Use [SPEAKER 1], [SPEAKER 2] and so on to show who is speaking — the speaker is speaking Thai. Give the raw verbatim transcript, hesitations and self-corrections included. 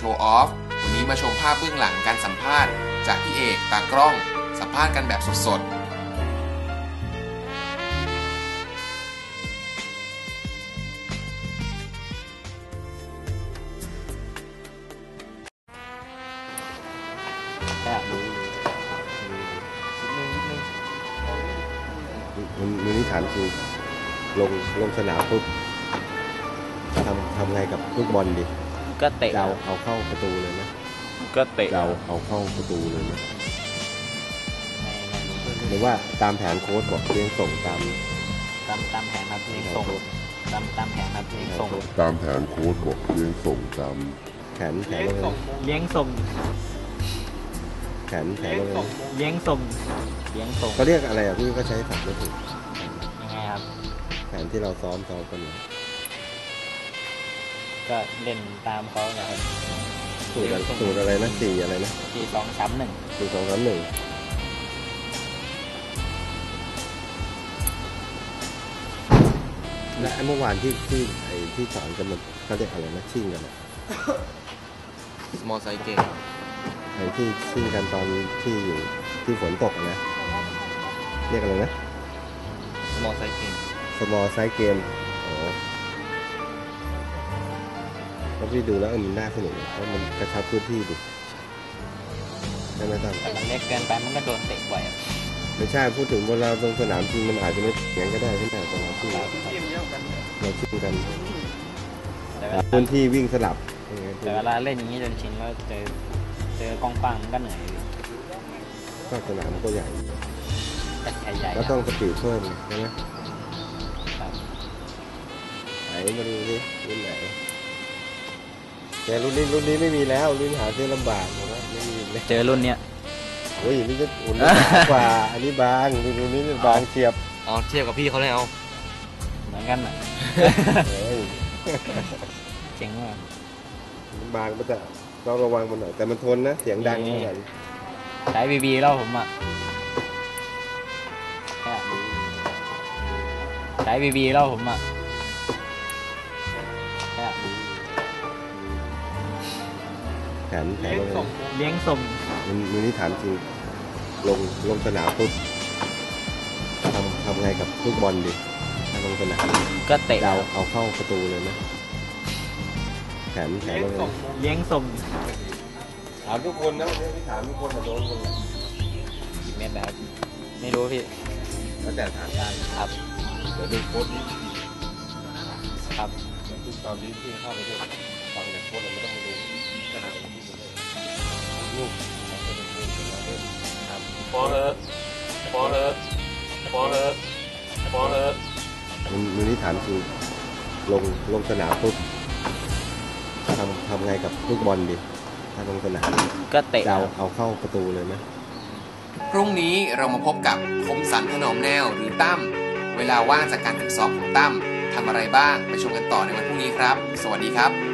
[SPEAKER 1] ว์ออฟวันนี้มาชมภาพเบื้องหลังการสัมภาษณ์จากพี่เอกตากล้องสัมภาษณ์กันแบบสดๆ
[SPEAKER 2] มันมันนี่ถามจริงลงลงสนามปุ๊บทำทำไงกับลูกบอลดิ
[SPEAKER 3] ก็เตะ
[SPEAKER 2] เราเอาเข้าประตูเลยนะ
[SPEAKER 3] ก็เตะ
[SPEAKER 2] เราเอาเข้าประตูเลยนะหรือว่าตามแผนโค้ชบอกเลี้ยงส่งตาม
[SPEAKER 3] ตามตามแผนครับเลี้ยงส่งตามตามแผนครับเลี้ยงส่ง
[SPEAKER 2] ตามแผนโค้ชบอกเลี้ยงส่งตามแผนแผนว่าไง
[SPEAKER 3] เลี้ยงส่ง
[SPEAKER 2] แผนแผนว่าไง
[SPEAKER 3] เลี้ยงส่งเลี้ยงส่ง
[SPEAKER 2] เขาเรียกอะไรอ่ะพี่ก็ใช้ศัพท์ไม่ถูก
[SPEAKER 3] ยังไงครับ
[SPEAKER 2] แผนที่เราซ้อมซ้อมกัน
[SPEAKER 3] ก็เล่นตามเขานะครับ
[SPEAKER 2] สูตรสูตรอะไรนะสี่อะไรนะ
[SPEAKER 3] สี่สองสามหนึ่ง
[SPEAKER 2] สี่สองสามหนึ่งและเมื่อวานที่ที่ไอ้ที่สอนกันมันเขาเรียกอะไรนะชิ่งกัน
[SPEAKER 1] small size game
[SPEAKER 2] ไอ้ที่ชิ่งกันตอนที่อยู่ที่ฝนตกนะเรียกอะไรนะ
[SPEAKER 1] small size game
[SPEAKER 2] small size game อ๋อแล้วพี่ดูแล้วมันน่าสนุกเพราะมันกระชับพื้นที่ดิใช่ไหมท่าน
[SPEAKER 3] แต่มันเล็กเกินไปมันก็โดนเตะบ่อย
[SPEAKER 2] ไม่ใช่พูดถึงเวลาลงสนามจริงมันอาจจะไม่เสียงก็ได้ใช่ไหมตอนเราชิ่งเราชิ่งกันพื้นที่วิ่งสลับ
[SPEAKER 3] แต่เวลาเล่นอย่างนี้จนชินก็เจอเจอกองปังก็เหนื่อย
[SPEAKER 2] ก็สนามมันก็ใหญ่
[SPEAKER 3] ใหญ่
[SPEAKER 2] ก็ต้องสปีดเพิ่มใช่ไหมไหนมาดูดิรุ่นไหนแต่รุ่นนี้รุ่นนี้ไม่มีแล้วรุ่นหาซื้อลำบากนะไม่มี
[SPEAKER 3] เจอรุ่นเนี้ย
[SPEAKER 2] โอ้ยนี่จะอุ่นกว่าอันนี้บางรุ่นนี้บางเทียบ
[SPEAKER 1] อ๋อเทียบกับพี่เขาเลยเอา
[SPEAKER 3] เหมือนกันอ่ะเจ๋งว่ะ
[SPEAKER 2] บางก็จะต้องระวังมันหน่อยแต่มันทนนะเสียงดังเหมือนกัน
[SPEAKER 3] สายบีบีแล้วผมอ่ะสายบีบีแล้วผมอ่ะ
[SPEAKER 2] แผนแผนว่าไง
[SPEAKER 3] เลี้ยงส่ง
[SPEAKER 2] มันมันนี่ถามจริงลงลงสนามปุ๊บทำทำไงกับลูกบอลดิถ้าลงสนาม
[SPEAKER 3] ก็เตะ
[SPEAKER 2] เราเอาเข้าประตูเลยนะแผนแผนว่าไง
[SPEAKER 3] เลี้ยงส่ง
[SPEAKER 2] ถามทุกคนนะวันนี้พี่ถามทุกคนแต่โดนคน
[SPEAKER 3] กี่เมตรแบบไม่รู้พี่
[SPEAKER 2] แล้วแต่ถามได้
[SPEAKER 3] ครับ
[SPEAKER 2] เดี๋ยวดูโค้ดนี้
[SPEAKER 3] ครับ
[SPEAKER 2] ทุกตอนนี้ที่เข้าไปด้วยฟังจากโค้ดเราไม่ต้องมาดูขนาดนี้ลูก
[SPEAKER 1] พอเลยพอเลยพอเลยพอเลย
[SPEAKER 2] มันมันนี่ถามจริงลงลงสนามปุ๊บทำทำไงกับลูกบอลดิถ้าลงสนาม
[SPEAKER 3] ก็เตะ
[SPEAKER 2] เราเอาเข้าประตูเลยไหม
[SPEAKER 1] พรุ่งนี้เรามาพบกับคมสันถนอมแนวหรือตั้มเวลาว่างจากการฝึกซ้อมของตั้มทำอะไรบ้างไปชมกันต่อในวันพรุ่งนี้ครับสวัสดีครับ